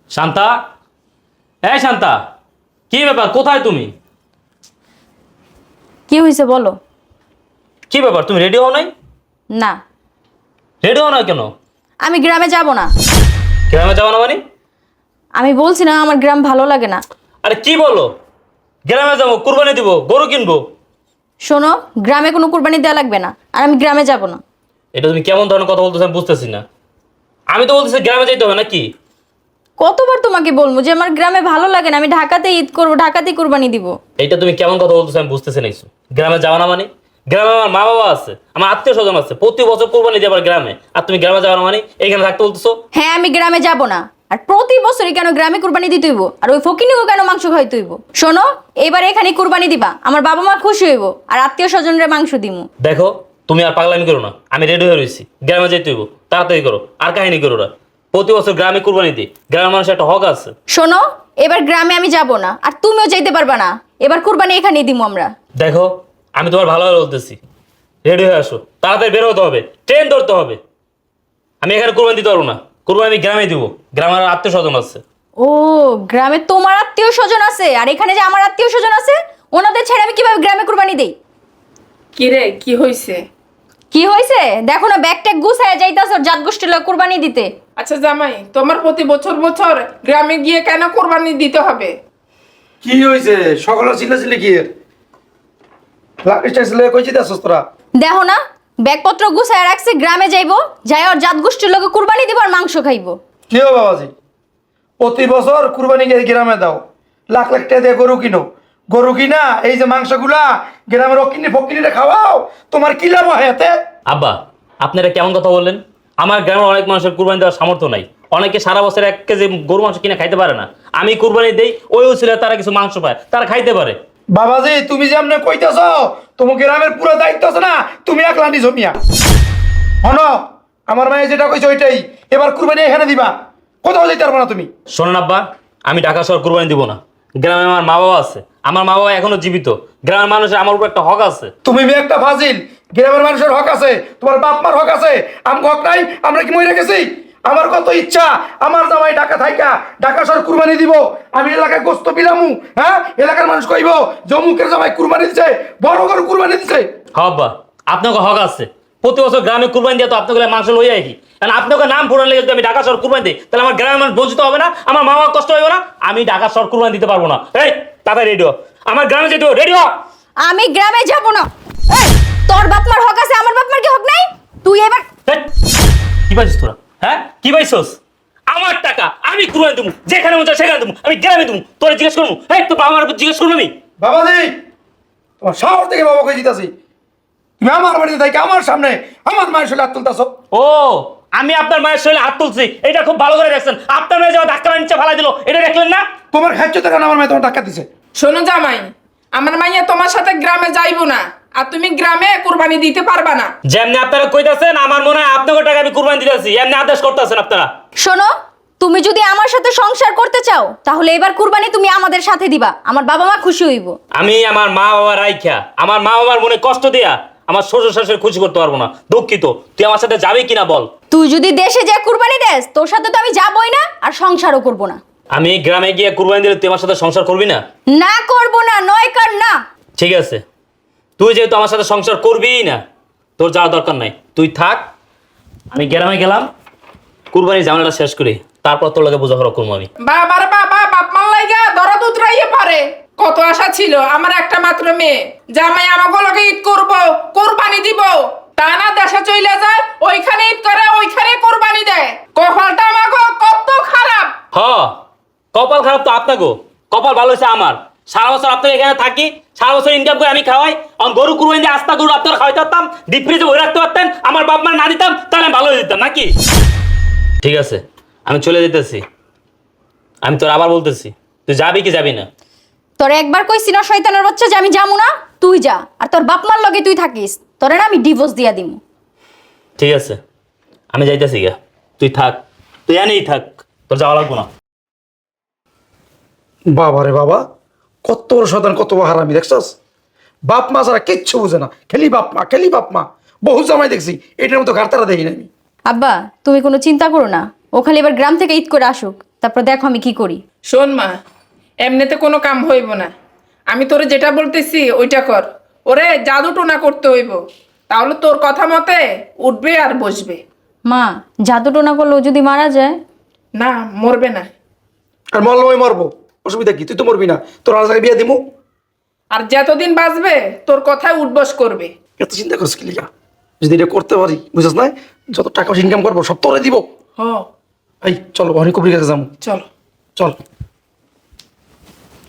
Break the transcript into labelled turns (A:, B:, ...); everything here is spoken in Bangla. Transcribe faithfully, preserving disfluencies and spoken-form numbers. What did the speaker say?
A: শান্তা, এই শান্তা, কি ব্যাপার? কোথায় তুমি?
B: কি হয়েছে বলো?
A: কি ব্যাপার, তুমি রেডি হও নাই?
B: না,
A: রেডি হও না কেন?
B: আমি গ্রামে যাব না।
A: গ্রামে যাবো না মানে?
B: আমি বলছি না আমার গ্রাম ভালো লাগে না।
A: আরে কি বলো? গ্রামে যাবো, কুরবানি দিব, গরু কিনবো।
B: শোনো, গ্রামে কোনো কুরবানি দেওয়া লাগবে না, আর আমি গ্রামে যাব না।
A: এটা তুমি কেমন ধরনের কথা বলতেছো আমি বুঝতেছি না। আমি তো বলতেছি গ্রামে যাইতে হবে নাকি?
B: কতবার তোমাকে বলবো যে আমার গ্রামে ভালো লাগে না, আমি ঢাকাতে ঈদ করবো, ঢাকাতেই কুরবানি দিব।
A: এইটা তুমি কেমন কথা বলতেছো আমি বুঝতেছি না কিছু। গ্রামে যাওয়া না মানে? গ্রামে আমার মা বাবা আছে, আমার আত্মীয় স্বজন আছে, প্রতি বছর কোরবানি দিয়ে আবার গ্রামে, আর তুমি গ্রামে যাওয়া না মানে এইখানে থাকতে বলতেছো?
B: হ্যাঁ, আমি গ্রামে যাব না। আর প্রতি বছরই কেন গ্রামে কুরবানি দিতে হইব? আর ওই ফকিনিও কেন মাংস খাইতে হইব? শোনো, এবার এখানে কুরবানি দিবা, আমার বাবা মা খুশি হইব, আর আত্মীয় স্বজনরা মাংস দিমু।
A: দেখো, তুমি আর পাগলামি করো না, আমি রেডি হয়ে রয়েছি, গ্রামে যেতে হইব, তাড়াতাড়ি করো, আর কাহিনী করো না। প্রতি বছর গ্রামে কুরবানি দিই, গ্রামের মানুষের একটা হক আছে।
B: শোনো, এবার গ্রামে আমি যাব না, আর তুমিও যাইতে পারবা না। এবার কুরবানি এখানেই দিমু আমরা।
A: দেখো, আমি তোমার ভালোভাবে বলতেছি, রেডি হয়ে আসো, তাড়াতাড়ি বের হতে হবে, ট্রেন ধরতে হবে। আমি এখানে কুরবানি দিতে পারবো না, কুরবানি আমি গ্রামে দিব, গ্রামের আত্মীয় স্বজন আছে।
B: ও, গ্রামে তোমার আত্মীয় স্বজন আছে, আর এখানে যে আমার আত্মীয় স্বজন আছে, ওনাদের ছেড়ে আমি কিভাবে গ্রামে কুরবানি দেই?
C: কি রে, কি হইছে?
B: কি হয়েছে দেখো না, ব্যাগ ট্যাগ গুছায় যাইতাছ জাত গোষ্ঠীর লোক কুরবানি দিতে।
C: আচ্ছা জামাই, তোমার প্রতি বছর বছর গ্রামে গিয়ে কেন কোরবানি দিতে হবে?
D: কি হয়েছে? সকালে ছিল ছিল কি এর লাকিস্টার ছিল কইছি দাসস তোরা?
B: দেখো না, ব্যাগপত্র গুছায় রাখছি, গ্রামে যাইবো, যাই আর জাত গোষ্ঠীর লোকে কুরবানি দিব আর মাংস খাইবো।
D: কি হবে বাবাজি? প্রতি বছর কুরবানি গিয়ে গ্রামে দাও, লাখ লাখ টাকা দিয়ে গরু কিনো, গরু কিনা এই যে মাংসগুলা গ্রামের অকিনি ফকিনিটা খাওয়াও, তোমার কি লাভ হয় এতে?
A: আব্বা, আপনারা কেমন কথা বললেন? আমার গ্রামের অনেক মানুষের কুরবানি দেওয়ার সামর্থ্য নাই, অনেকে সারা বছর এক কেজি গরু মাংস কিনে খাইতে পারে না। আমি কুরবানি দেই, ওই ছিল তারা কিছু মাংস পায়, তারা খাইতে পারে।
D: বাবাজি তুমি যে আমনে কইতেছ, তোমার গ্রামের পুরো দায়িত্ব আছে না, তুমি একলা নিছো মিয়া। হন, আমার মায়ে যেটা কইছে ওইটাই, এবার কুরবানি এখানে দিবা, কোথাও যাইতে পারবো না তুমি।
A: শোনেন আব্বা, আমি ঢাকা শহর কুরবানি দিব না। গ্রামে আমার মা বাবা আছে, আমার মা বাবা এখনো জীবিত, গ্রামের মানুষের আমার উপর একটা হক আছে।
D: তুমি মেয়ে একটা ফাজিল, গ্রামের মানুষের হক আছে, তোমার বাপ মার হক আছে, আম হক নাই? আমরা কি মরে গেছি? আমার কত ইচ্ছা আমার জামাই ঢাকা থাইকা ঢাকা শহর কুরবানি দিব, আমি এলাকায় গোস্ত বিলামু, হ্যাঁ এলাকার মানুষ কইব জমুকের জামাই কুরবানি দিছে, বড় বড় কুরবানি দিছে।
A: হ্যাঁ আব্বা, আপনাকে হক আছে, প্রতি বছর গ্রামে কুরবানি দিয়ে তো আপনাকে মাংস লইয়া কি, কারণ আপনাকে নাম ফোরান লেগে যদি আমি ঢাকা শহর কুরবানি দিই, তাহলে আমার গ্রামের মানুষ বঞ্চিত হবে না, আমার মা বাবা কষ্ট হবে না। আমি ঢাকা শহর কুরবানি দিতে পারবো না। এই তাড়াতাড়ি রেডিও, আমার গ্রামে যেতে রেডিও।
B: আমি গ্রামে যাব না। এই, তোর বাপ মার হক আছে, আমার বাপ মার কি হক নাই? তুই এবার
A: কি পাইছিস তোরা? হ্যাঁ কি পাইছস? আমার টাকা আমি কুরবানি দেবো, যেখানে মন চায় সেখানে দেবো, আমি গ্রামে দেবো, তোরা জিজ্ঞেস করবো? হ্যাঁ তোর বাবা মার জিজ্ঞেস করবো আমি?
D: বাবাজি তোমার শহর থেকে বাবা কই দিতাছি, তুমি আমার বাড়িতে থাকি আমার সামনে আমার মায়ের সাথে হাত তুলতাছ।
A: ও, আমি আপনার মায়ের শরীরে হাত তুলছি, এটা খুব ভালো করে দেখছেন। আপনার মেয়ে যাওয়া ধাক্কা নিচে ফালাই দিল, এটা দেখলেন না?
D: তোমার খাচ্ছ তো কেন? আমার মেয়ে তোমার টাকা দিছে।
C: শোনো জামাই, আমার মাইয়া তোমার সাথে গ্রামে যাইবো না, আর তুমি গ্রামে কোরবানি দিতে পারবা না।
A: যেমনি আপনারা কইতাছেন, আমার মনে হয় আপনাকে টাকা আমি কুরবানি দিতেছি, এমনি আদেশ করতেছেন আপনারা।
B: শোনো, তুমি যদি আমার সাথে সংসার করতে চাও, তাহলে এবার কুরবানি তুমি আমাদের সাথে দিবা, আমার বাবা মা খুশি হইব।
A: আমি আমার মা বাবার রাইখা, আমার মা বাবার মনে কষ্ট দিয়া আমার শ্বশুর শাশুড়ি খুশি করতে পারবো না, দুঃখিত। তুই আমার সাথে যাবি কিনা বল?
B: তুই যদি দেশে যা কুরবানি দেস, তোর সাথে তো আমি যাবই না, আর সংসারও করব না।
A: আমি গ্রামে গিয়ে কুরবানি দিলে তুই আমার সাথে সংসার করবি না?
B: না করব না, নয় কার না।
A: ঠিক আছে, তুই যেহেতু আমার সাথে সংসার করবিই না, তোর যাওয়ার দরকার নাই, তুই থাক। আমি গ্রামে গেলাম, কুরবানি ঝামেলাটা শেষ করি, তারপর তোর লাগে বোঝাপড়া করবো আমি।
C: বাবার বাবা বাপ মার লাইগা দরদ উতরাইয়ে পারে। কত আশা ছিল আমার একটা মাত্র মেয়ে, জামাই আমাকে লগে ঈদ করবো, কোরবানি দিব, তা না দেশে চইলা যায়, ওইখানে ঈদ করে ওইখানে কোরবানি দেয়। কপালটা আমাকে কত খারাপ।
A: হ, কপাল খারাপ তো আপনাকেও, কপাল ভালো হয়েছে আমার। সারা বছর আপনাকে এখানে থাকি, সারা বছর ইনকাম করে আমি খাওয়াই, আমার গরু কুরবানি দিয়ে আস্তা গরু আপনারা খাওয়াইতে পারতাম, ডিপ ফ্রিজে ভরে রাখতে পারতেন, আমার বাপ মা না দিতাম, তাহলে আমি ভালো হয়ে যেতাম নাকি? ঠিক আছে, আমি চলে যেতেছি। আমি তোর আবার বলতেছি, তুই যাবি কি যাবি না?
B: তোর একবার কইছি না শয়তানের বাচ্চা যে আমি যাবো না, তুই যা, আর তোর বাপ মার লগে তুই থাকিস, তোরে না আমি ডিভোর্স দিয়া দিমু।
A: ঠিক আছে, আমি যাইতেছি গা, তুই থাক, তুই এনেই থাক, তোর যাওয়া লাগবো না।
D: বাবা রে বাবা, কত বড় শয়তান, কত বড় হারামি দেখছস? বাপ মা ছাড়া কিচ্ছু বুঝে না, খেলি বাপ মা খেলি বাপ মা। বহু জামাই দেখছি, এটার মতো ঘাটতারা দেখি না আমি।
B: আব্বা, তুমি কোনো চিন্তা করো না, ও খালি এবার গ্রাম থেকে ঈদ করে আসুক, তারপর দেখো আমি কি করি।
C: শোন মা, এমনিতে কোনো কাম হইব না। আমি তোরে যেটা বলতেছি ওইটা কর। ওরে জাদু টোনা করতে হইব, তাহলে তোর কথা মতে উঠবে আর বসবে।
B: মা, জাদু টোনা করলেও যদি মারা যায়?
C: না, মরবে না।
D: আর মরলে ওই মরবো, অসুবিধা কি? তুই তো মরবি না, তোর আর জায়গায় বিয়ে দিমু।
C: আর যতদিন বাঁচবে তোর কথায় উঠবস করবে।
D: এত চিন্তা করছিস কি লিগা? যদি এটা করতে পারি, বুঝছিস না, যত টাকা ইনকাম করবো সব তোরে দিব।
C: হ,
D: এই চল, অনেক কবির কাছে যাবো।
C: চলো।
D: চল।